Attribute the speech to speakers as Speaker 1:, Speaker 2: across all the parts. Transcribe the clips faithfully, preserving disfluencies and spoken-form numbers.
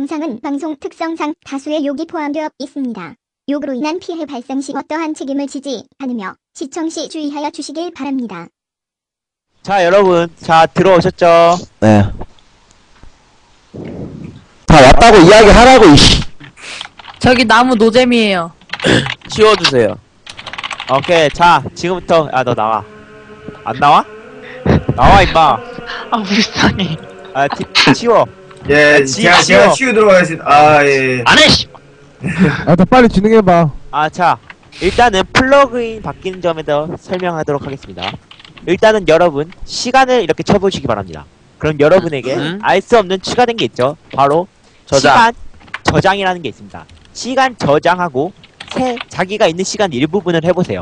Speaker 1: 영상은 방송 특성상 다수의 욕이 포함되어 있습니다. 욕으로 인한 피해 발생 시 어떠한 책임을 지지 않으며 시청 시 주의하여 주시길 바랍니다.
Speaker 2: 자, 여러분, 자 들어오셨죠?
Speaker 3: 네. 다 왔다고 이야기하라고 이씨.
Speaker 4: 저기 나무 노잼이에요.
Speaker 5: 치워주세요.
Speaker 2: 오케이, 자 지금부터 아 너 나와. 안 나와? 나와 임마.
Speaker 5: 아 불쌍해.
Speaker 2: 아 티, 치워.
Speaker 6: 예,
Speaker 2: 지-
Speaker 6: 제가,
Speaker 2: 지워.
Speaker 6: 제가 치우도록 하겠습니다. 아, 예.
Speaker 5: 안해 씨.
Speaker 7: 아, 더 빨리 진행해봐.
Speaker 2: 아, 자 일단은 플러그인 바뀌는 점에 대해 설명하도록 하겠습니다. 일단은 여러분 시간을 이렇게 쳐보시기 바랍니다. 그럼 여러분에게
Speaker 5: 음?
Speaker 2: 알 수 없는 추가된 게 있죠. 바로
Speaker 5: 저장.
Speaker 2: 시간 저장이라는 게 있습니다. 시간 저장하고 새 자기가 있는 시간 일부분을 해보세요.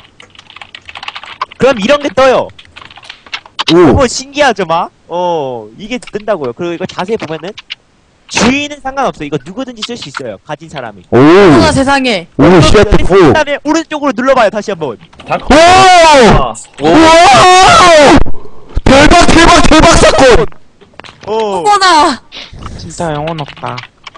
Speaker 2: 그럼 이런 게 떠요.
Speaker 3: 오.
Speaker 2: 너무 신기하죠, 막? 어, 이게 뜬다고요. 그리고 이거 자세히 보면은 주인은 상관없어요. 이거 누구든지 쓸 수 있어요. 가진 사람이.
Speaker 3: 오.
Speaker 4: 어머나 세상에.
Speaker 3: 오, 시작됐 오.
Speaker 2: 그 다음에 오른쪽으로 눌러봐요. 다시 한번.
Speaker 3: 오! 우와! 대박, 대박, 대박 사건!
Speaker 2: 어.
Speaker 4: 어머나.
Speaker 5: 진짜 영혼 없다.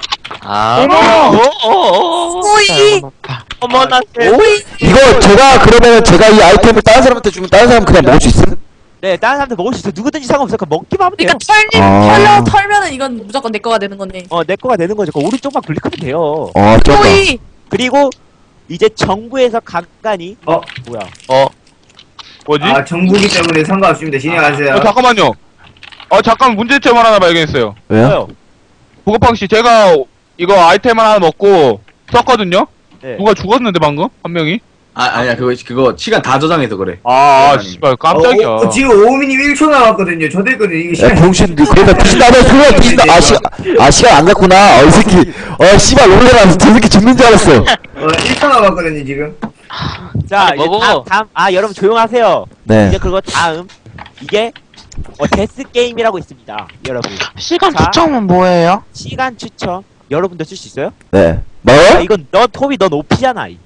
Speaker 5: 아.
Speaker 2: 어머!
Speaker 5: 어어어.
Speaker 4: 오이.
Speaker 2: 어머나, 세.
Speaker 3: 이거 제가 그러면 제가 이 아이템을 다른 사람한테 주면 다른 사람 그냥 먹을 수 있음?
Speaker 2: 네, 다른 사람들 먹을 수 있어. 누구든지 상관없어. 그냥 먹기만 하면 돼요.
Speaker 4: 그러니까 털림
Speaker 3: 아.
Speaker 4: 털려 털면은 이건 무조건 내 거가 되는 거네.
Speaker 2: 어, 내 거가 되는 거죠. 그 오른쪽만 클릭하면 돼요.
Speaker 3: 어, 쩐다.
Speaker 4: 오이.
Speaker 2: 그리고 이제 정부에서 간간히
Speaker 6: 어,
Speaker 2: 뭐야?
Speaker 5: 어. 뭐지?
Speaker 6: 아, 정부기 때문에 상관없습니다. 진행하세요.
Speaker 8: 어, 잠깐만요. 어, 잠깐 문제점을 하나 발견했어요.
Speaker 3: 왜요?
Speaker 2: 뭐요?
Speaker 8: 보급팡씨, 제가 이거 아이템 하나 먹고 썼거든요?
Speaker 2: 네.
Speaker 8: 누가 죽었는데, 방금? 한 명이?
Speaker 9: 아, 아니야, 그거, 그거, 시간 다 저장해서 그래.
Speaker 8: 아,
Speaker 9: 아니.
Speaker 8: 씨발, 깜짝이야.
Speaker 6: 어, 어, 지금 오미님 일 초 남았거든요. 저 됐거든요. 이게
Speaker 3: 야,
Speaker 6: 시간.
Speaker 3: 병신, 그러다 뒤진다며, 그래, 뒤진다. 아, 시, 아, 시간 안 갔구나. 어, 이 새끼. 어, 씨발, 놀래라. 저 새끼 죽는 줄 알았어.
Speaker 6: 어, 일 초 남았거든요, 지금.
Speaker 2: 자,
Speaker 5: 아니,
Speaker 2: 이제
Speaker 5: 먹어.
Speaker 2: 다음, 다음, 아, 여러분 조용하세요.
Speaker 3: 네.
Speaker 2: 이제 그거 다음 이게 어, 데스 게임이라고 있습니다, 여러분.
Speaker 5: 시간
Speaker 2: 자.
Speaker 5: 추첨은 뭐예요?
Speaker 2: 시간 추첨 여러분도 쓸 수 있어요?
Speaker 3: 네. 뭐?
Speaker 2: 아, 이건 너 톱이 너 높이잖아. 이.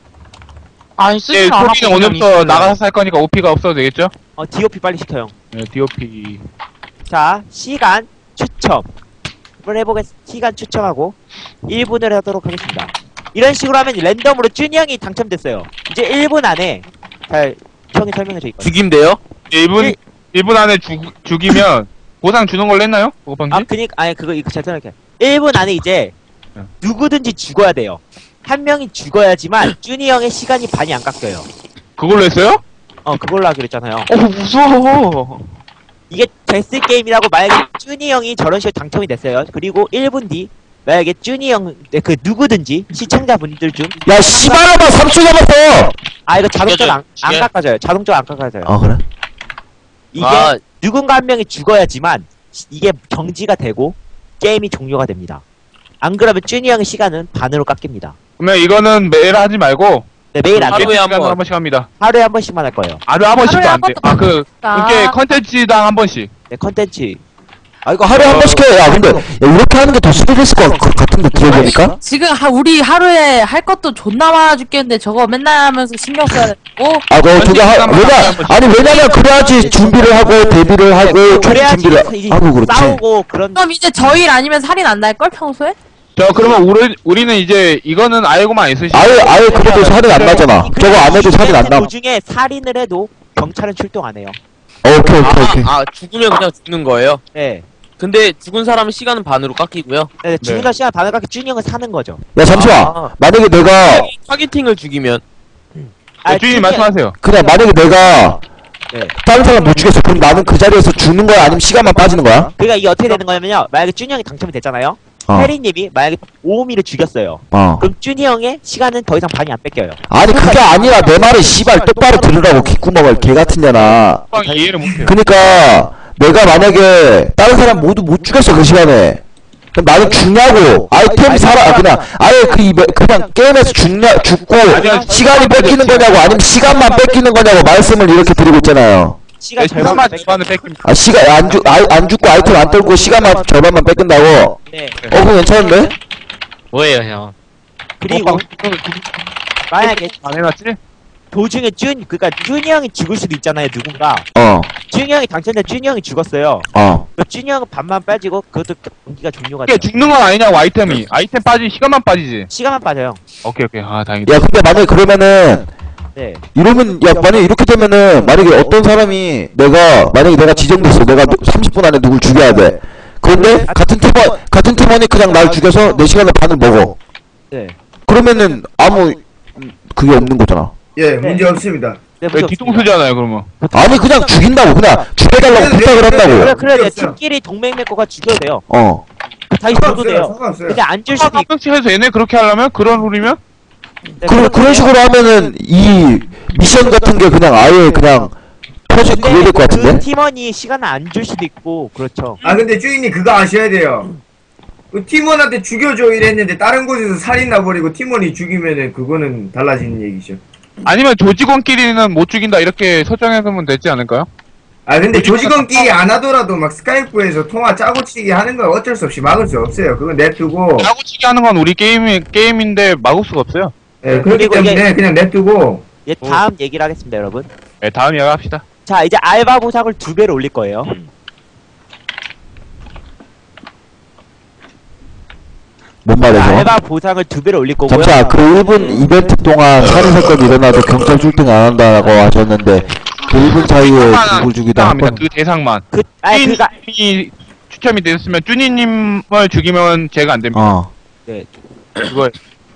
Speaker 5: 아니
Speaker 8: 예,
Speaker 5: 쓰지 않았고
Speaker 8: 토끼는 오늘부터 나가서 살 거니까 오피가 없어도 되겠죠?
Speaker 2: 어, 디오피 빨리 시켜 형.
Speaker 8: 네, 디오피.
Speaker 2: 자, 시간 추첨을 해보겠. 시간 추첨하고 일 분을 하도록 하겠습니다. 이런 식으로 하면 랜덤으로 준이 형이 당첨됐어요. 이제 일 분 안에 잘 형이 설명해줘 이거.
Speaker 5: 죽임돼요?
Speaker 8: 일 분,
Speaker 2: 일-
Speaker 8: 일 분 안에 죽, 죽이면 보상 주는 걸로 했나요? 보급팡씨?
Speaker 2: 아, 그니까 아니 그거 이거 잘 설명해. 일 분 안에 이제
Speaker 8: 네.
Speaker 2: 누구든지 죽어야 돼요. 한 명이 죽어야지만 준이 형의 시간이 반이 안 깎여요.
Speaker 8: 그걸로 했어요?
Speaker 2: 어, 그걸로 하기로 했잖아요.
Speaker 5: 어 무서워.
Speaker 2: 이게 데스 게임이라고 만약에 준이 형이 저런 식으로 당첨이 됐어요. 그리고 일 분 뒤 만약에 준이 형 그 누구든지 시청자분들 중
Speaker 3: 야, 씨발아봐, 삼 초 남았어!
Speaker 2: 아 이거 자동적으로 안, 안
Speaker 5: 죽여.
Speaker 2: 깎아져요. 자동적으로 안 깎아져요.
Speaker 3: 아, 그래?
Speaker 2: 이게
Speaker 5: 아.
Speaker 2: 누군가 한 명이 죽어야지만 시- 이게 정지가 되고 게임이 종료가 됩니다. 안 그러면 준이 형의 시간은 반으로 깎입니다.
Speaker 8: 그러면 이거는 매일 하지 말고,
Speaker 2: 네, 매일 안 돼요.
Speaker 5: 하루에 한
Speaker 8: 시간으로
Speaker 5: 번.
Speaker 8: 한 번씩 합니다.
Speaker 2: 하루에 한 번씩만 할 거예요.
Speaker 8: 하루에 한 번씩도
Speaker 4: 하루에
Speaker 8: 안
Speaker 4: 한
Speaker 8: 돼.
Speaker 4: 번도
Speaker 8: 아, 그,
Speaker 4: 아.
Speaker 8: 이렇게 컨텐츠당 한 번씩.
Speaker 2: 네, 컨텐츠.
Speaker 3: 아, 이거 하루에 한 번씩 해. 야, 근데, 야, 이렇게 하는 게 더 수월했을 것 같- 같은데, 들어보니까?
Speaker 4: 지금 하, 우리 하루에 할 것도 존나 많아 죽겠는데 저거 맨날 하면서 신경 써야 되고.
Speaker 3: 아, 그, 저기, 하, 왜냐, 아니, 왜냐면, 그래야지 준비를 하고, 데뷔를 하고, 총
Speaker 2: 그래야지
Speaker 3: 준비를
Speaker 2: 이제
Speaker 3: 하고, 그렇지.
Speaker 2: 싸우고 그런.
Speaker 4: 그럼 이제 저 일 아니면 살인 안 날걸 평소에?
Speaker 8: 저, 그러면 우리, 우리는 이제, 이거는 알고만 있으시고.
Speaker 3: 아예, 아예 그래도 살인 안 나잖아. 저거 안 해도 살인 안 나.
Speaker 2: 도중에 살인을 해도 경찰은 출동 안 해요.
Speaker 3: 오케이, 오케이, 오케이.
Speaker 5: 아, 아 죽으면 그냥 죽는 거예요?
Speaker 2: 네.
Speaker 5: 근데 죽은 사람은 시간은 반으로 깎이고요.
Speaker 2: 네, 죽는 시간 반을 깎게 준이 형은 사는 거죠.
Speaker 3: 야, 잠시만.
Speaker 5: 아.
Speaker 3: 만약에 내가,
Speaker 5: 타겟팅을 죽이면
Speaker 8: 네, 주인님
Speaker 2: 준이-
Speaker 8: 말씀하세요.
Speaker 3: 그냥 만약에 내가,
Speaker 2: 네.
Speaker 3: 다른 사람 못 죽였어. 그럼 나는 그 자리에서 죽는 거야? 아니면 시간만 빠지는 거야?
Speaker 2: 그러니까 이게 어떻게 되는 거냐면요. 만약에 준이 형이 당첨이 됐잖아요.
Speaker 3: 어.
Speaker 2: 혜리님이 만약에 오미를 죽였어요.
Speaker 3: 어.
Speaker 2: 그럼 준이 형의 시간은 더 이상 반이 안 뺏겨요.
Speaker 3: 아니, 그게 아니라 내 말을 씨발 똑바로 들으라고, 개구멍을, 개 같은 년아.
Speaker 8: 빵 이해를 못해요.
Speaker 3: 그니까, 내가 만약에, 다른 사람 모두 못 죽였어, 그 시간에. 그럼 나는 죽냐고. 아이템 사라, 아, 그냥, 아예 그, 이 매- 그냥 게임에서 죽냐, 죽고, 시간이 뺏기는 거냐고, 아니면 시간만 뺏기는 거냐고, 말씀을 이렇게 드리고 있잖아요.
Speaker 2: 시간
Speaker 8: 네,
Speaker 2: 절반
Speaker 8: 시간만
Speaker 2: 뺏.
Speaker 8: 절반을 뺏깁니다.
Speaker 3: 아, 시간, 안 죽, 아, 안 죽고 아이템 안 떨고 시간만 절반만 뺏긴다고?
Speaker 2: 네.
Speaker 3: 어, 그거 괜찮은데?
Speaker 5: 뭐예요 형?
Speaker 2: 그리고 만약에
Speaker 8: 안 해놨지?
Speaker 2: 도중에 준 그러니까 준이 형이 죽을 수도 있잖아요. 누군가.
Speaker 3: 어.
Speaker 2: 준이 형이 당첨돼 준이 형이 죽었어요.
Speaker 3: 어.
Speaker 2: 그 준이 형은 반만 빠지고 그것도 경기가 종료가
Speaker 8: 이게
Speaker 2: 돼요.
Speaker 8: 죽는 건 아니냐고 아이템이. 아이템 빠지 시간만 빠지지.
Speaker 2: 시간만 빠져요.
Speaker 8: 오케이 오케이. 아 다행이다.
Speaker 3: 야 근데 만약에 그러면은
Speaker 2: 네.
Speaker 3: 이러면 야 만약에 이렇게 되면은 만약에 어떤 사람이 내가 만약에 내가 지정됐어. 내가 삼십 분 안에 누굴 죽여야 돼. 그런데 같은 팀원 같은 팀원이 그냥 날 죽여서 내 시간에 반을 먹어.
Speaker 2: 네.
Speaker 3: 그러면은 아무 그게 없는 거잖아.
Speaker 6: 예, 문제 없습니다.
Speaker 2: 네,
Speaker 8: 왜
Speaker 2: 무슨
Speaker 8: 뒤통수잖아요 그러면.
Speaker 3: 아니 그냥 죽인다고 그냥 죽여달라고 부탁을
Speaker 2: 그래
Speaker 3: 한다고.
Speaker 2: 그래 네,
Speaker 6: 없어요.
Speaker 2: 팀끼리 동맹 맺고가 죽여도 돼요.
Speaker 3: 어.
Speaker 2: 다시 줘도
Speaker 6: 상관없어요.
Speaker 2: 돼요.
Speaker 6: 상관없어요.
Speaker 2: 근데 안 줄
Speaker 8: 한
Speaker 2: 수도 있고.
Speaker 8: 명씩 해서 얘네 그렇게 하려면 그런 룰이면
Speaker 2: 네,
Speaker 3: 그런 그런 식으로 하면은 이 미션 같은 게 그냥 아예 그냥 터질 그게 될 것
Speaker 2: 그
Speaker 3: 같은데.
Speaker 2: 팀원이 시간을 안 줄 수도 있고 그렇죠.
Speaker 6: 아 근데 주인님 그거 아셔야 돼요. 그 팀원한테 죽여줘 이랬는데 다른 곳에서 살인 나버리고 팀원이 죽이면은 그거는 달라지는 얘기죠.
Speaker 8: 아니면 조직원끼리는 못 죽인다 이렇게 설정해두면 되지 않을까요?
Speaker 6: 아 근데 조직원끼리 안 하더라도 막 스카이프에서 통화 짜고치기 하는 건 어쩔 수 없이 막을 수 없어요. 그건 냅두고.
Speaker 8: 짜고치기 하는 건 우리 게임이 게임인데 막을 수가 없어요.
Speaker 6: 예, 그렇기
Speaker 2: 그리고 이게-
Speaker 6: 때문에 그냥 냅두고.
Speaker 2: 이제 다음 얘기를 하겠습니다, 여러분.
Speaker 8: 네, 다음 이야기 합시다.
Speaker 2: 자, 이제 알바 보상을 두 배로 올릴 거예요.
Speaker 3: 뭔 말이죠?
Speaker 2: 알바 보상을 두 배로 올릴 거고요.
Speaker 3: 잠시만 그 일 분 이벤트 동안 살인 사건이 일어나도 경찰 출동 안 한다고 하셨는데 그 일 분 사이에 누굴 죽이다 한
Speaker 8: 합니다.
Speaker 3: 번.
Speaker 8: 그 대상만.
Speaker 2: 그, 아니, 그니까,
Speaker 8: 쭈니님이 추첨이 되었으면 쭈니님을 죽이면 제가 안 됩니다.
Speaker 3: 어.
Speaker 2: 네.
Speaker 8: 그거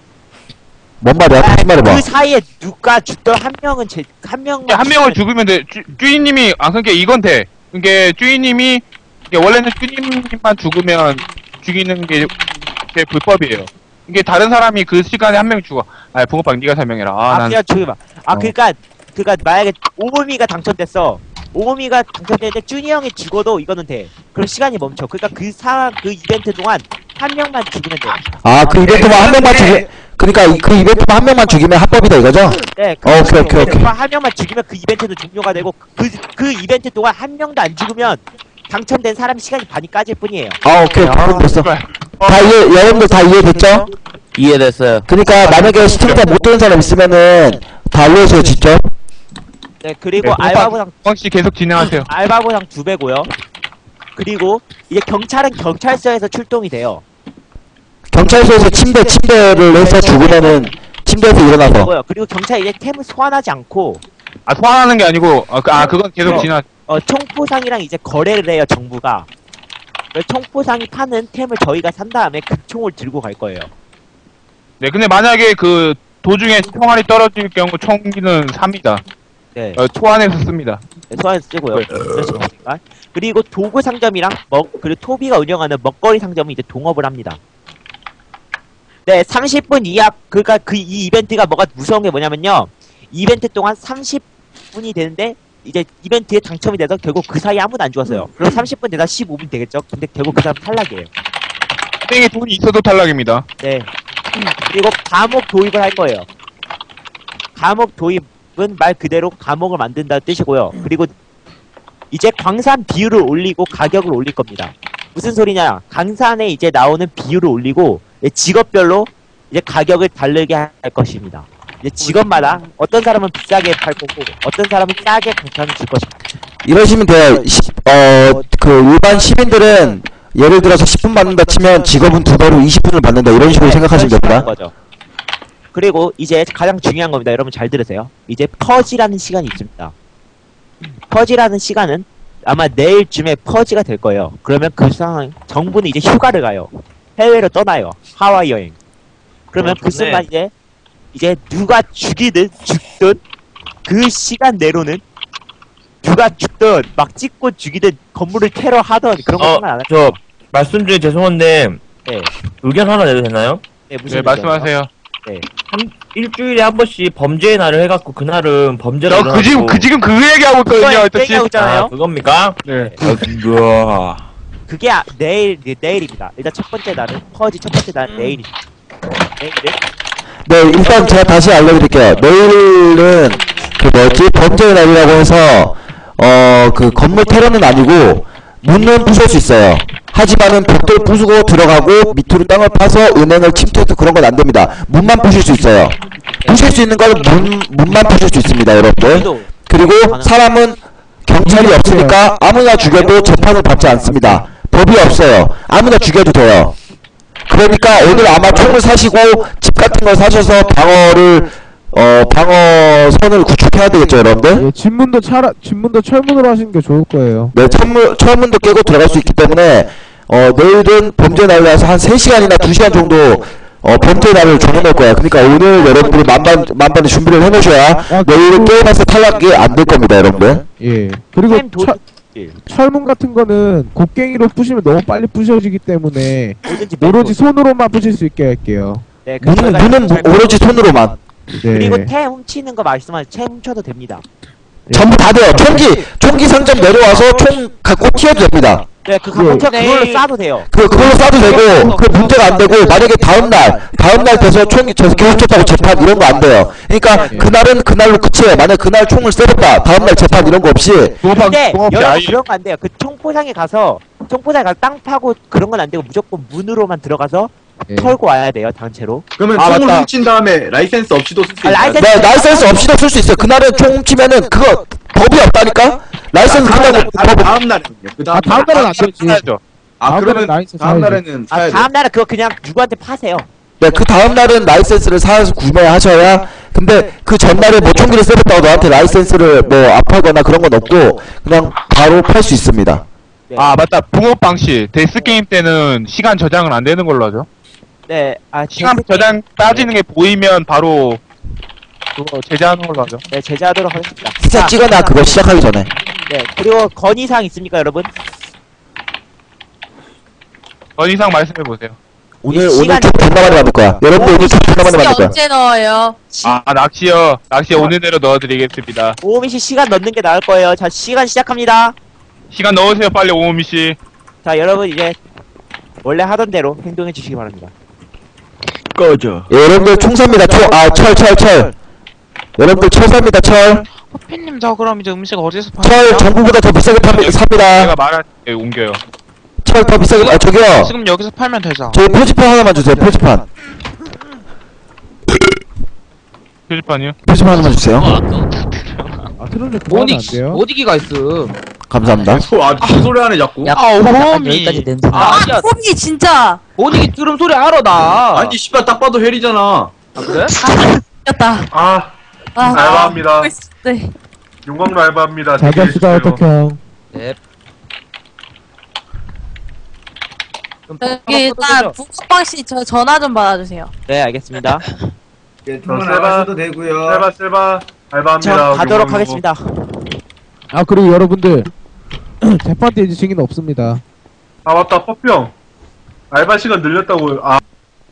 Speaker 3: 뭔 말이야? 다시 말해봐.
Speaker 2: 그 사이에 누가 죽던 한 명은 제, 한 명만.
Speaker 8: 한 명을
Speaker 2: 죽이면-
Speaker 8: 죽이면 돼. 쭈, 쭈니님이 아 그러니까 이건 돼. 그게 쭈니님이 이게 원래는 쭈니님만 죽으면 죽이는 게, 게 불법이에요. 이게 다른 사람이 그 시간에 한 명 죽어. 아 붕어빵 네가 설명해라. 아,
Speaker 2: 아,
Speaker 8: 난
Speaker 2: 그냥 저기 봐. 아,
Speaker 3: 어.
Speaker 2: 그니까, 그니까, 만약에 오범이가 당첨됐어. 오범이가 당첨됐는데 쭈니 형이 죽어도 이거는 돼. 그럼 시간이 멈춰. 그니까 그 사람, 그 이벤트 동안 한 명만 죽이면 돼.
Speaker 3: 아 그 이벤트만 한 명만 죽이. 그러니까 이- 그 이벤트만 한 명만 죽이면 합법이다 이거죠?
Speaker 2: 네, 그
Speaker 3: 어, 오케이, 오케이, 오케이.
Speaker 2: 한 명만 죽이면 그 이벤트는 종료가 되고 그, 그 이벤트 동안 한 명도 안 죽으면 당첨된 사람 시간이 반이 까질 뿐이에요.
Speaker 3: 아 오케이 그럼 됐어.
Speaker 8: 제발.
Speaker 3: 다 이해 여러분들 다 이해됐죠?
Speaker 5: 이해됐어요.
Speaker 3: 그러니까 만약에 시청자 못 듣는 사람 있으면은 다 알려주세요 직접.
Speaker 2: 네, 그리고
Speaker 8: 네,
Speaker 2: 알바 보상
Speaker 8: 붕어빵 씨 계속 진행하세요.
Speaker 2: 알바 보상 두 배고요. 그리고 이제 경찰은 경찰서에서 출동이 돼요.
Speaker 3: 경찰서에서 침대 침대를 해서 죽으면은 침대에서 일어나서.
Speaker 2: 그리고요. 그리고 경찰이 이제 템을 소환하지 않고
Speaker 8: 아 소환하는 게 아니고 아, 그, 아 그건 계속
Speaker 2: 어.
Speaker 8: 진행.
Speaker 2: 어, 총포상이랑 이제 거래를 해요, 정부가. 그 총포상이 파는 템을 저희가 산 다음에 그 총을 들고 갈 거예요.
Speaker 8: 네, 근데 만약에 그 도중에 총알이 떨어질 경우 총기는 삽니다.
Speaker 2: 네.
Speaker 8: 어, 초안에서 씁니다.
Speaker 2: 네, 소환해서 쓰고요.
Speaker 8: 네.
Speaker 2: 그런 식으로. 그리고 도구 상점이랑 먹, 그리고 토비가 운영하는 먹거리 상점은 이제 동업을 합니다. 네, 삼십 분 이하, 그니까 그 이 이벤트가 뭐가 무서운 게 뭐냐면요. 이벤트 동안 삼십 분이 되는데, 이제 이벤트에 당첨이 돼서 결국 그 사이에 아무도 안 죽었어요. 그럼 삼십 분 되다 십오 분 되겠죠? 근데 결국 그 사람 탈락이에요.
Speaker 8: 땡에 돈이 있어도 탈락입니다.
Speaker 2: 네. 그리고 감옥 도입을 할 거예요. 감옥 도입은 말 그대로 감옥을 만든다는 뜻이고요. 그리고 이제 광산 비율을 올리고 가격을 올릴 겁니다. 무슨 소리냐? 광산에 이제 나오는 비율을 올리고 이제 직업별로 이제 가격을 다르게 할 것입니다. 이제 직업마다 어떤 사람은 비싸게 팔 거고 어떤 사람은 싸게 광산을 줄 것입니다.
Speaker 3: 이러시면 돼요. 어 그 일반 시민들은 예를 들어서 십 분 받는다 치면 직업은 두 배로 이십 분을 받는다 이런 식으로
Speaker 2: 네,
Speaker 3: 생각하시면
Speaker 2: 그런 식으로
Speaker 3: 됩니다.
Speaker 2: 하는 거죠. 그리고 이제 가장 중요한 겁니다. 여러분 잘 들으세요. 이제 퍼지라는 시간이 있습니다. 퍼지라는 시간은 아마 내일쯤에 퍼지가 될 거예요. 그러면 그 상황 정부는 이제 휴가를 가요. 해외로 떠나요. 하와이 여행. 그러면
Speaker 5: 어,
Speaker 2: 그
Speaker 5: 좋네.
Speaker 2: 순간 이제 이제 누가 죽이든 죽든 그 시간 내로는 누가 죽든 막 찍고 죽이든 건물을 테러하던 그런 거
Speaker 5: 어,
Speaker 2: 상관 안
Speaker 5: 저
Speaker 2: 해요.
Speaker 5: 말씀 중에 죄송한데
Speaker 2: 네.
Speaker 5: 의견 하나 내도 되나요?
Speaker 2: 네, 무슨
Speaker 8: 네, 말씀하세요.
Speaker 5: 한 일주일에 한 번씩 범죄의 날을 해갖고 그날은 범죄를
Speaker 8: 저 그 지금 그 지금 그 얘기하고 있거든요.
Speaker 2: 그거
Speaker 8: 어차피.
Speaker 2: 얘기하고 있잖아요.
Speaker 5: 아, 그겁니까?
Speaker 8: 네.
Speaker 5: 그거
Speaker 2: 그게 아, 내일 네, 내일입니다. 일단 첫 번째 날은 퍼지 첫 번째 날은 내일입니다. 내일은
Speaker 3: 네, 일단 제가 다시 알려드릴게요. 내일은 그 뭐지 범죄의 날이라고 해서 어 그 건물 테러는 아니고 문은 부술 수 있어요. 하지만은 벽돌 부수고 들어가고 밑으로 땅을 파서 은행을 침투해도 그런 건 안 됩니다. 문만 부실 수 있어요. 부실 수 있는 건 문 문만 부실 수 있습니다, 여러분들.
Speaker 2: 저희도
Speaker 3: 그리고 사람은 경찰이 없으니까 아무나 죽여도 재판을 받지 않습니다. 법이 없어요. 아무나 죽여도 돼요. 그러니까 오늘 아마 총을 사시고 집 같은 걸 사셔서 방어를 어 방어선을 구축해야 되겠죠, 여러분들?
Speaker 7: 예, 집문도 차라 집문도 철문으로 하시는 게 좋을 거예요.
Speaker 3: 네, 철문 철문도 깨고 들어갈 수 있기 때문에 어 내일은 범죄 날라서 한 세 시간이나 두 시간 정도 어 범죄 날을 정해놓을 거야. 그러니까 오늘 여러분들이 만반 만반의 준비를 해놓으셔야
Speaker 7: 아,
Speaker 3: 내일은 게임에서 탈락이 안 될 겁니다, 여러분들.
Speaker 7: 예. 그리고
Speaker 2: 타임 도-
Speaker 7: 철, 철문 같은 거는 곡괭이로 부시면 너무 빨리 부셔지기 때문에
Speaker 2: 뭐든지
Speaker 7: 오로지 손으로만 부실 수 있게 할게요.
Speaker 2: 네,
Speaker 3: 문은
Speaker 2: 그래서
Speaker 3: 문은 뭐- 오로지 손으로만.
Speaker 7: 네.
Speaker 2: 그리고 태 훔치는 거 말씀하신 채 훔쳐도 됩니다.
Speaker 3: 전부 다 돼요. 총기 총기 상점 내려와서 총 갖고 튀어도 됩니다.
Speaker 2: 네, 그
Speaker 7: 그-
Speaker 2: 갖고 그걸로 쏴도 돼요.
Speaker 3: 그 그걸로 쏴도 되고 그 문제가 안 되고 만약에 다음 날 다음 날 돼서 총이 저 교육쳤다고 재판 이런 거 안 돼요. 그러니까
Speaker 2: 네.
Speaker 3: 그날은 그날로 끝이에요. 만약 그날 총을 쏘았다 다음 날 재판 이런 거 없이
Speaker 8: 도박
Speaker 2: 근데
Speaker 8: 도박
Speaker 2: 여러분
Speaker 8: 아예
Speaker 2: 그런 거 안 돼요. 그 총포장에 가서 총포장에 가서 땅 파고 그런 건 안 되고 무조건 문으로만 들어가서
Speaker 7: 예.
Speaker 2: 털고 와야 돼요, 단체로.
Speaker 9: 그러면
Speaker 3: 아,
Speaker 9: 총을
Speaker 3: 맞다.
Speaker 9: 훔친 다음에 라이센스 없이도 쓸 수
Speaker 2: 아,
Speaker 9: 있어요.
Speaker 2: 라이센스-
Speaker 3: 네, 라이센스 없이도 쓸 수 있어요. 그날은 총 훔치면은 그거 법이 없다니까. 라이센스
Speaker 9: 다음
Speaker 3: 끝나고
Speaker 9: 날,
Speaker 3: 법
Speaker 9: 다음 날은요. 그
Speaker 7: 아 다음 날은 안 되지.
Speaker 8: 사야죠.
Speaker 9: 아
Speaker 7: 다음
Speaker 9: 그러면
Speaker 7: 날은 라이센스
Speaker 9: 다음
Speaker 7: 사야지.
Speaker 9: 날에는
Speaker 2: 아,
Speaker 9: 사야 돼.
Speaker 2: 다음 날은 그거 그냥 누구한테 파세요.
Speaker 3: 네, 그 다음 날은 라이센스를 사서 구매하셔야. 근데 그 전날에 뭐 총기를 쏘았다고 너한테 라이센스를 뭐 압하거나 그런 건 없고 그냥 바로 팔 수 있습니다.
Speaker 2: 네.
Speaker 8: 아 맞다. 붕어빵 씨 데스 게임 때는 시간 저장은 안 되는 걸로 하죠.
Speaker 2: 네, 아,
Speaker 8: 시간
Speaker 2: 데스
Speaker 8: 저장
Speaker 2: 게임-
Speaker 8: 따지는 게 보이면 바로 그거 제재하는 걸로 하죠.
Speaker 2: 네, 제재하도록 하겠습니다.
Speaker 3: 스샷
Speaker 2: 자,
Speaker 3: 찍어놔 그거 시작하기 전에.
Speaker 2: 네, 그리고 건의사항 있습니까, 여러분?
Speaker 8: 건 이상 말씀해 보세요.
Speaker 3: 오늘
Speaker 2: 이
Speaker 3: 오늘
Speaker 2: 시간-
Speaker 3: 총 존나 많이 받을 거야. 여러분들 오늘 총 존나 많이 받을 거야.
Speaker 4: 언제 넣어요?
Speaker 8: 아 낚시요. 낚시 오늘 내로 넣어드리겠습니다.
Speaker 2: 오미 씨 시간 넣는 게 나을 거예요. 자, 시간 시작합니다.
Speaker 8: 시간 넣으세요 빨리 오미 씨.
Speaker 2: 자, 여러분 이제 원래 하던 대로 행동해 주시기 바랍니다.
Speaker 9: 꺼져.
Speaker 3: 예, 여러분들 총 삽니다. 총, 아, 철, 철, 철. 여러분들 철 삽니다. 철.
Speaker 10: 호피님 저 그럼 이제 음식 어디서
Speaker 3: 철
Speaker 10: 파세요?
Speaker 3: 전국보다 더 비싸게 팝, 삽니다.
Speaker 8: 내가 말할 때 옮겨요.
Speaker 3: 철 더 비싸게, 아, 저기요.
Speaker 10: 지금 여기서 팔면 되죠.
Speaker 3: 저기 표지판 하나만 주세요. 표지판.
Speaker 8: 표지판이요?
Speaker 3: 표지판 하나만 주세요.
Speaker 7: 아 트롤 그만하면 안 돼요?
Speaker 10: 어디기가 있음.
Speaker 3: 감사합니다.
Speaker 9: 소, 아, 무슨 소리 하네 자꾸.
Speaker 10: 야,
Speaker 4: 아,
Speaker 10: 호미.
Speaker 4: 여기까지 냄새 나.
Speaker 10: 아,
Speaker 4: 아, 홈이 진짜.
Speaker 10: 어디기 들음 소리 알아 나.
Speaker 9: 아니 씨발 딱 봐도 헬이잖아.
Speaker 10: 아, 그래?
Speaker 4: 였다.
Speaker 11: 아,
Speaker 4: 아,
Speaker 11: 알바합니다.
Speaker 4: 네.
Speaker 11: 용광로 알바합니다.
Speaker 7: 잘 잡시다 어떡형.
Speaker 10: 네. 그럼
Speaker 4: 여기 일단 북빵 씨 저 전화 좀 받아주세요.
Speaker 2: 네, 알겠습니다.
Speaker 6: 예, 통화
Speaker 11: 셀바.
Speaker 6: 나가셔도 되고요.
Speaker 11: 셀바 셀바 알바합니다.
Speaker 2: 자, 가도록
Speaker 11: 용광로.
Speaker 2: 하겠습니다.
Speaker 7: 아 그리고 여러분들 재판 때 이제 증인 없습니다.
Speaker 11: 아 맞다, 퍼평. 알바 시간 늘렸다고. 아,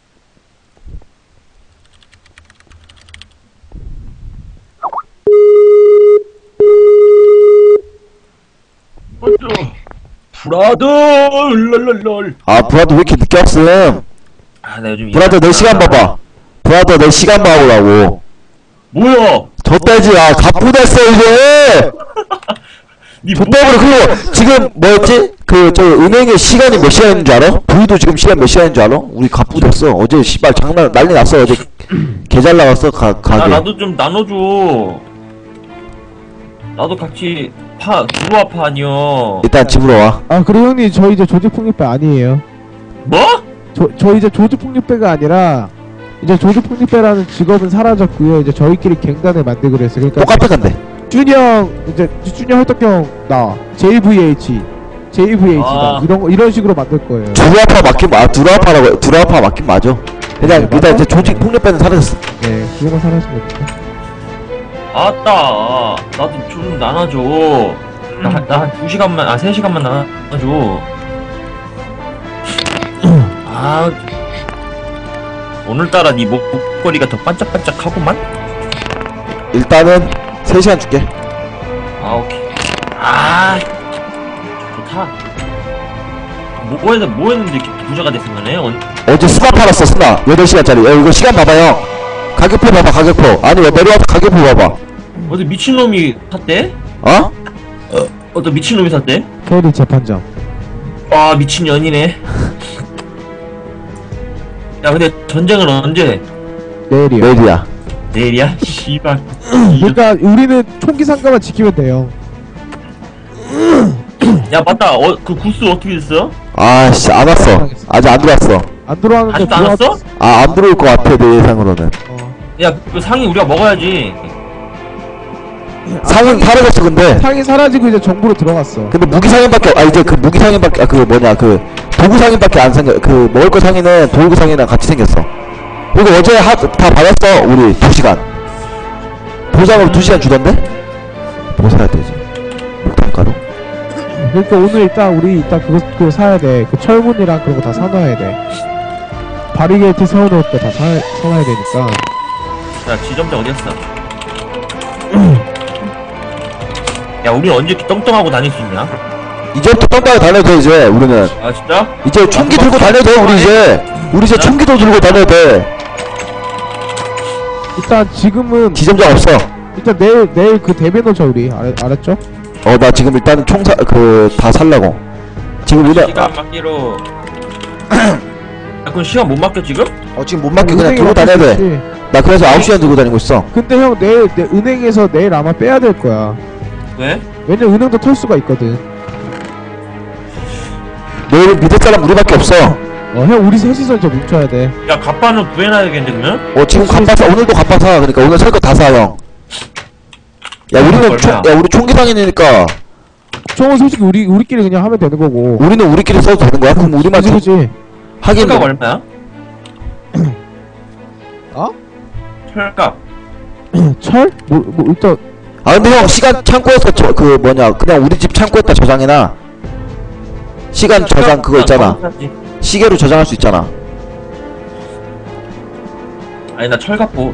Speaker 9: 브라더 랄랄랄.
Speaker 3: 아, 브라더 왜 이렇게 늦게 왔음?
Speaker 9: 아, 나 요즘
Speaker 3: 브라더 내 시간 봐봐. 브라더 내 시간 봐보라고.
Speaker 9: 뭐야?
Speaker 3: 좆돼지, 아, 가쁘댔어, 이제!
Speaker 9: 니
Speaker 3: 좆돼버려. 그리고 지금 뭐였지? 그, 저, 은행에 시간이 몇 시간인 줄 알아? 부위도 지금 시간 몇 시간인 줄 알아? 우리 가쁘댔어. 어제 씨발 장난, 난리 났어. 어제 개 잘 나갔어, 가, 가게.
Speaker 9: 아, 나도 좀 나눠줘. 나도 같이 파 들어와 파 아니요.
Speaker 3: 일단 집으로 와.
Speaker 7: 아 그리고 형님 저 이제 조직폭력배 아니에요.
Speaker 9: 뭐?
Speaker 7: 저, 저 이제 조직폭력배가 아니라 이제 조직폭력배라는 직업은 사라졌고요. 이제 저희끼리 갱단을 만들기로 했어요. 그러니까
Speaker 3: 똑같아, 근데.
Speaker 7: 준이 형 이제 준이 형 헐떡형 나 제이브이에이치 제이브이에이치다
Speaker 9: 아.
Speaker 7: 이런 거 이런 식으로 만들 거예요.
Speaker 3: 두루아파 맞긴, 아, 두루아파라고, 두루아파 맞긴 맞아. 그냥, 일단 이제 조직 폭력배는 사라졌어.
Speaker 7: 네 그거만 사라진 거니까.
Speaker 9: 아따. 나도 좀 나눠줘. 나한 두 시간만, 아, 세 시간만 나눠줘. 아. 오늘따라 네 목, 목걸이가 더 반짝반짝하구만?
Speaker 3: 일단은 세 시간 줄게.
Speaker 9: 아, 오케이. 아, 좋다. 뭐, 뭐, 했, 뭐 했는데 이렇게 부자가 됐으면해? 어,
Speaker 3: 어제 스나 팔았어, 스나. 여덟 시간짜리. 야, 이거 시간 봐봐요. 가격표 봐봐, 가격표. 아니, 왜 내려와서 가격표 봐봐.
Speaker 9: 어디 미친놈이 샀대?
Speaker 3: 어?
Speaker 9: 어떤 미친놈이 샀대?
Speaker 7: 서울이 재판장.
Speaker 9: 아, 미친년이네. 야, 근데 전쟁은 언제?
Speaker 7: 내일이요.
Speaker 3: 내일이야.
Speaker 9: 내일이야? 씨발.
Speaker 7: 그러니까 우리는 총기 상가만 지키면 돼요.
Speaker 9: 야 맞다. 어 그 구스 어떻게 됐어?
Speaker 3: 아씨 안 왔어. 아직 안 들어왔어.
Speaker 7: 안 들어왔는데
Speaker 9: 아직도 안
Speaker 7: 들어왔-
Speaker 9: 왔어?
Speaker 3: 아 안 들어올 것 같아 내 예상으로는.
Speaker 9: 야 그 상이 우리가 먹어야지.
Speaker 3: 상인 사라졌어 근데.
Speaker 7: 상이 사라지고 이제 정부로 들어갔어.
Speaker 3: 근데 무기 상인밖에 아 이제 그 무기 상인밖에 아 그 뭐냐 그 도구 상인밖에 안 생겨. 그 먹을 거 상인은 도구 상인이랑 같이 생겼어. 그리고 어제 하, 다 받았어 우리 두 시간. 보상으로 두 시간 주던데? 뭐 사야 되지? 목탄가루?
Speaker 7: 그러니까 오늘 일단 우리 일단 그거 그거 사야 돼. 그 철문이랑 그런 거 다 사놔야 돼. 바리게이트 세워놓을 때 다 사놔야 되니까.
Speaker 9: 야 지점장 어디였어? 야 우리 언제 이렇게 떵떵하고 다닐 수 있냐?
Speaker 3: 이제부터 똥방에 다녀도 돼 이제 우리는.
Speaker 9: 아 진짜?
Speaker 3: 이제 총기 들고 다녀도 돼 우리 이제. 우리 이제 총기도 들고 다녀도 돼.
Speaker 7: 일단 지금은
Speaker 3: 지점장 없어.
Speaker 7: 일단 내일 내일 그 대배 놓자 우리 알, 알았죠?
Speaker 3: 어 나 지금 일단 총사 그 다 살라고. 지금 우리
Speaker 9: 시간 맞기로. 야 그럼 시간 못 맡겨 지금?
Speaker 3: 어 지금 못 맡겨 그냥
Speaker 7: 은행에
Speaker 3: 들고 다녀야 돼.
Speaker 7: 맡길 수 있지.
Speaker 3: 나 그래서 아홉 시간 들고 다니고 있어.
Speaker 7: 근데 형 내일 내 은행에서 내일 아마 빼야 될 거야.
Speaker 9: 왜?
Speaker 7: 왜냐 은행도 털 수가 있거든.
Speaker 3: 내일 믿을 사람 우리밖에 없어.
Speaker 7: 어 형 우리 셋이서 이제 뭉쳐야 돼.
Speaker 9: 야 갑바는 구해놔야겠는데 그러면?
Speaker 3: 어 지금 갑바 사 오늘도 갑바 사. 그러니까 오늘 살 거 다 사 형. 야 우리는 총, 야 우리 총기 상인이니까
Speaker 7: 총은 솔직히 우리 우리끼리 그냥 하면 되는 거고.
Speaker 3: 우리는 우리끼리 써도 되는 거야? 그럼 우리만
Speaker 7: 그지
Speaker 3: 총-
Speaker 7: 그지.
Speaker 3: 하긴
Speaker 9: 철값
Speaker 3: 뭐-
Speaker 9: 얼마야?
Speaker 7: 어?
Speaker 9: 철값.
Speaker 7: 철? 뭐, 뭐 일단
Speaker 3: 아 근데 형 시간 창고에서 저 그 뭐냐 그냥 우리 집 창고에다 저장해놔. 시간 저장 그거 있잖아. 시계로 저장할 수 있잖아.
Speaker 9: 아니 나 철갑보.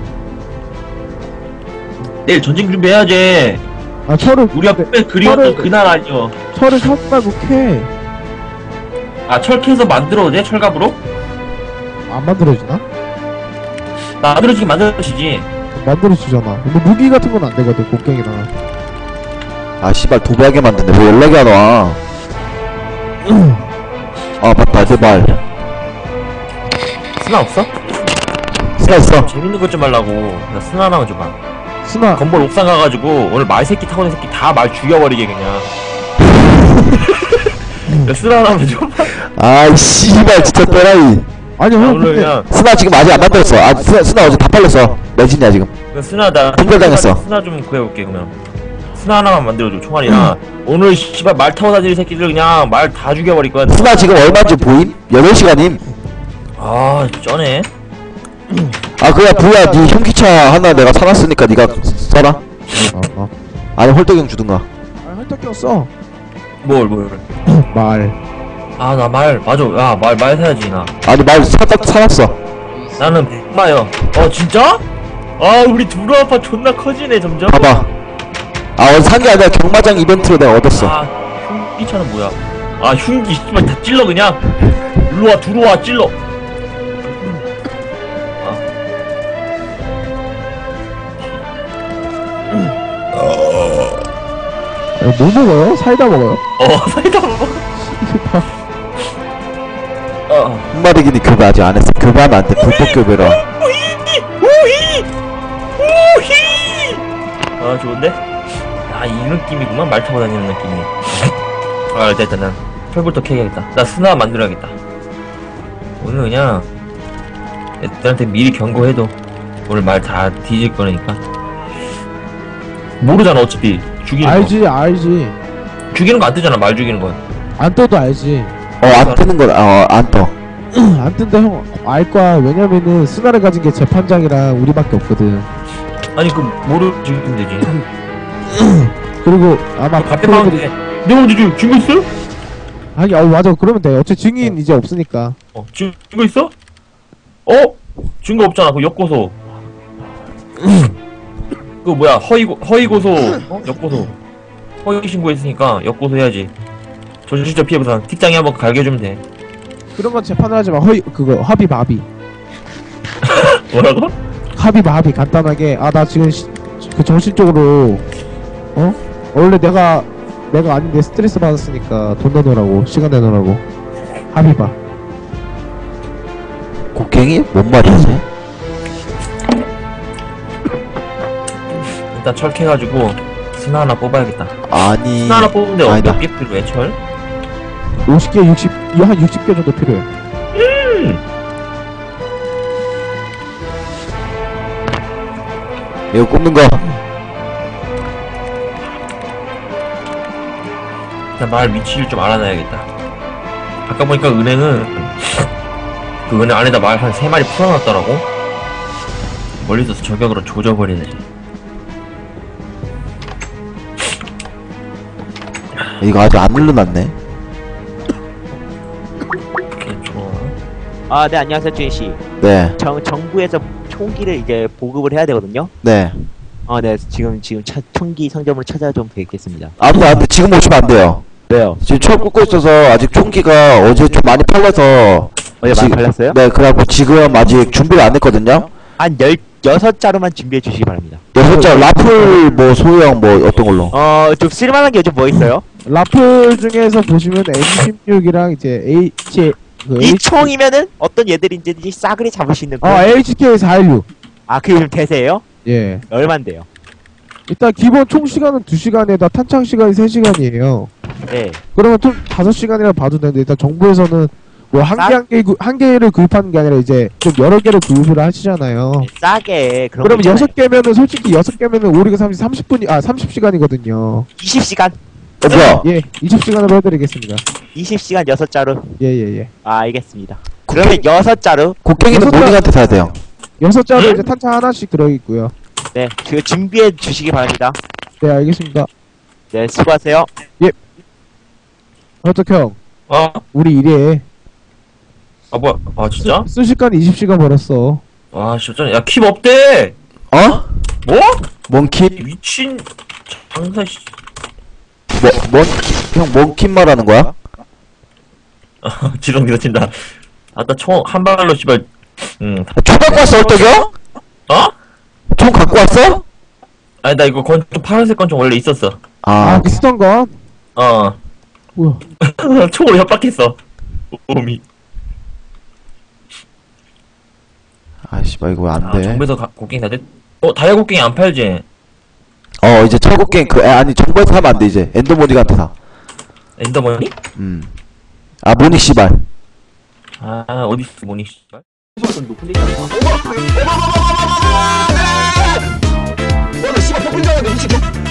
Speaker 9: 내일 전쟁 준비해야지.
Speaker 7: 아 철을
Speaker 9: 우리가 꽤 그리웠던
Speaker 7: 철을
Speaker 9: 그날 아니요.
Speaker 7: 철을 사고 말고 캐.
Speaker 9: 아 철캐서 만들어도 돼? 철갑으로?
Speaker 7: 안 만들어지나?
Speaker 9: 만들어지긴 만들어지지.
Speaker 7: 만들어지잖아. 근데 무기 같은 건 안 되거든 곡괭이나.
Speaker 3: 아 씨발 도배하게 만드네. 왜 연락이 안 와? 아 맞다 내 말.
Speaker 9: 스나 없어?
Speaker 3: 스나 있어.
Speaker 9: 재밌는 것 좀 하려고. 나 스나 하나만 줘봐.
Speaker 7: 스나
Speaker 9: 건물 옥상 가가지고 오늘 말 새끼 타고 있는 새끼 다 말 죽여버리게 그냥. 야, 스나 하나만 줘.
Speaker 3: 아 씨발 진짜 또라이.
Speaker 7: 아니
Speaker 9: 야,
Speaker 7: 형
Speaker 9: 오늘
Speaker 7: 근데
Speaker 9: 그냥
Speaker 3: 스나 지금 아직 안 만들었어. 아 스나, 스나 어제 다 팔렸어. 매진이야 지금.
Speaker 9: 그 스나 나
Speaker 3: 품절당했어.
Speaker 9: 스나 좀 구해볼게 그러면. 스나 하나만 만들어줘 총알이나. 오늘 씨발 말 타고 다니는 새끼들 그냥 말 다 죽여버릴 거야.
Speaker 3: 스나 지금 얼마인지 보임? 여덟 시간임.
Speaker 9: 아 쩌네.
Speaker 3: 아 그야 부야 니 현기차 하나 내가 사놨으니까 니가 써라.
Speaker 7: 어, 어.
Speaker 3: 아니 홀떡형 주든가.
Speaker 7: 아 헐떡형 써.
Speaker 9: 뭘 뭘.
Speaker 7: 말.
Speaker 9: 아 나 말 맞아. 야 말 말 사야지 나.
Speaker 3: 아니 말 사딱 사놨어.
Speaker 9: 나는 백마요. 어 진짜? 아 우리 두루 아파 존나 커지네 점점.
Speaker 3: 봐봐. 아 어제 산 게 아니라 경마장 이벤트로 내가 얻었어.
Speaker 9: 아 흉기차는 뭐야? 아 흉기 씨발 다 찔러 그냥. 일로와 들어와 찔러.
Speaker 7: 야, 뭐 먹어요? 사이다 먹어요?
Speaker 9: 어 사이다 먹어. 어.
Speaker 3: 흑마리기니 교배 아직 안 했어. 교배하면 안 돼. 불법 교배라.
Speaker 9: 우히 우히. 아 좋은데? 아 이 느낌이구만 말 타고 다니는 느낌이. 아 일단 일단 난 철부터 캐야겠다. 나 스나 만들어야겠다. 오늘 그냥 애들한테 미리 경고해도 오늘 말 다 뒤질 거니까. 모르잖아 어차피 죽이는
Speaker 7: 알지 알지.
Speaker 9: 거. 죽이는 거 안 뜨잖아 말 죽이는 건.
Speaker 7: 안 떠도 알지.
Speaker 3: 어 안 뜨는 거. 어안 떠.
Speaker 7: 안 뜬다 형 알 거야. 왜냐면은 스나를 가진 게 재판장이랑 우리밖에 없거든.
Speaker 9: 아니 그 모르 죽이면 되지.
Speaker 7: 그리고 아마
Speaker 9: 갑자기
Speaker 7: 프로들이
Speaker 9: 봤는데 내가 언제 죽 증거 있어?
Speaker 7: 아니 어 맞아 그러면 돼. 어차피 증인 이제 없으니까.
Speaker 9: 어 증거 있어? 어? 증거 없잖아 그 역고소. 그 뭐야 허위고 허위고소 어? 역고소 허위 신고했으니까 역고소 해야지. 조실적 피해 보상 틱장에 한번 갈겨주면 돼.
Speaker 7: 그런 건 재판을 하지 마. 허위 그거 합의 마비.
Speaker 9: 뭐라고?
Speaker 7: 합의 마비 간단하게. 아 나 지금 시, 그 정신적으로 어 원래 내가 내가 아닌데 스트레스 받았으니까 돈 내놓으라고 시간 내놓으라고 합의 봐.
Speaker 3: 곡괭이? 뭔 말이지?
Speaker 9: 일단 철캐가지고 스나 하나 뽑아야겠다.
Speaker 3: 아니.
Speaker 9: 스나 하나 뽑는데
Speaker 3: 아니다.
Speaker 9: 몇 개 필요해, 철?
Speaker 7: 오십 개, 육십, 한 육십 개 정도 필요해.
Speaker 9: 음!
Speaker 3: 이거 꼽는 거.
Speaker 9: 일단 마을 위치를 좀 알아놔야겠다. 아까 보니까 은행은 그 은행 안에다 마을 한 세 마리 풀어놨더라고. 멀리서 저격으로 조져버리네.
Speaker 3: 이거 아직 안 눌러놨네.
Speaker 9: 좋아.
Speaker 2: 아, 네, 안녕하세요, 주인씨.
Speaker 3: 네.
Speaker 2: 정, 정부에서 총기를 이제 보급을 해야 되거든요.
Speaker 3: 네.
Speaker 2: 어, 네, 지금, 지금 차, 총기 상점으로 찾아 좀 뵙겠습니다.
Speaker 3: 아무도 안 돼. 지금 오시면 안 돼요.
Speaker 2: 왜요?
Speaker 3: 지금 철 꽂고 있어서 아직 총기가 어제 좀 많이 팔려서.
Speaker 2: 어제 많이 팔렸어요?
Speaker 3: 네, 그래갖고 지금 아직 준비를 안 했거든요.
Speaker 2: 한 열, 여섯 자루만 준비해 주시기 바랍니다.
Speaker 3: 여섯 자 라플 뭐 소형 뭐 어떤 걸로?
Speaker 2: 어, 좀 쓸만한 게 요즘 뭐 있어요?
Speaker 7: 라플 중에서 보시면 엠 십육이랑 이제 H 그
Speaker 2: 이 총이면은 어떤 얘들인지 싸그리 잡을 수 있는
Speaker 7: 어
Speaker 2: 그런-
Speaker 7: 에이치케이 사일육.
Speaker 2: 아, 그게 좀 대세예요?
Speaker 7: 예.
Speaker 2: 얼만데요?
Speaker 7: 일단 기본 총 시간은 두 시간에다 탄창 시간이 세 시간이에요.
Speaker 2: 네.
Speaker 7: 그러면 총 다섯 시간이라 봐도 되는데 일단 정부에서는 뭐 한 개 한 개 한 개를 구입하는 게 아니라 이제 좀 여러 개를 구입을 하시잖아요.
Speaker 2: 싸게 그런
Speaker 7: 그러면
Speaker 2: 거 있잖아요.
Speaker 7: 여섯 개면은 솔직히 여섯 개면은 오리가 삼십 삼십 분이 아 삼십 시간이거든요.
Speaker 2: 이십 시간?
Speaker 3: 어, 뭐야?
Speaker 7: 예, 이십 시간으로 해드리겠습니다.
Speaker 2: 이십 시간 여섯 자루.
Speaker 7: 예, 예, 예.
Speaker 2: 아, 알겠습니다. 그러면 여섯 자루.
Speaker 3: 곡괭이는
Speaker 7: 여섯 자-
Speaker 3: 모닝한테 사야 돼요.
Speaker 7: 여섯 자로 이제 탄창 하나씩 들어있고요.
Speaker 2: 네, 그 준비해 주시기 바랍니다.
Speaker 7: 네, 알겠습니다.
Speaker 2: 네, 수고하세요.
Speaker 7: 어떡 형,
Speaker 9: 어?
Speaker 7: 우리 일해.
Speaker 9: 아 뭐야? 아 진짜?
Speaker 7: 순식간에 이십 시간 벌었어.
Speaker 9: 아 진짜. 야 킵 없대.
Speaker 3: 어?
Speaker 9: 뭐?
Speaker 3: 몽킵?
Speaker 9: 미친 장사 씨.
Speaker 3: 뭐, 뭔, 형, 몽킵 말하는 거야?
Speaker 9: 지렁이 다친다. 아따 총 한 발로 씨발. 응.
Speaker 3: 총 갖고 왔어, 어떡해요?
Speaker 9: 어?
Speaker 3: 총 갖고 왔어?
Speaker 9: 아니 나 이거 권총 파란색 권총 원래 있었어.
Speaker 7: 아,
Speaker 3: 아,
Speaker 7: 그 쓰던 건?
Speaker 9: 어.
Speaker 7: 뭐야?
Speaker 9: 총으로 협박했어. 오미.
Speaker 3: 아이씨, 마, 이거 안
Speaker 9: 아,
Speaker 3: 돼.
Speaker 9: 정부에서 가- 곡괭이 다 됐. 어 다이아 곡괭이 안 팔지?
Speaker 3: 어, 이제 철곡갱, 그, 에, 아니, 정부에서 사면 안 돼, 이제. 엔더모닉한테 사.
Speaker 9: 엔더머니?
Speaker 3: 음. 아, 모닉 씨발.
Speaker 9: 아 어디 있어 모니 씨발?
Speaker 3: 오늘 씨발, 폭풍 잡았는데, 미친.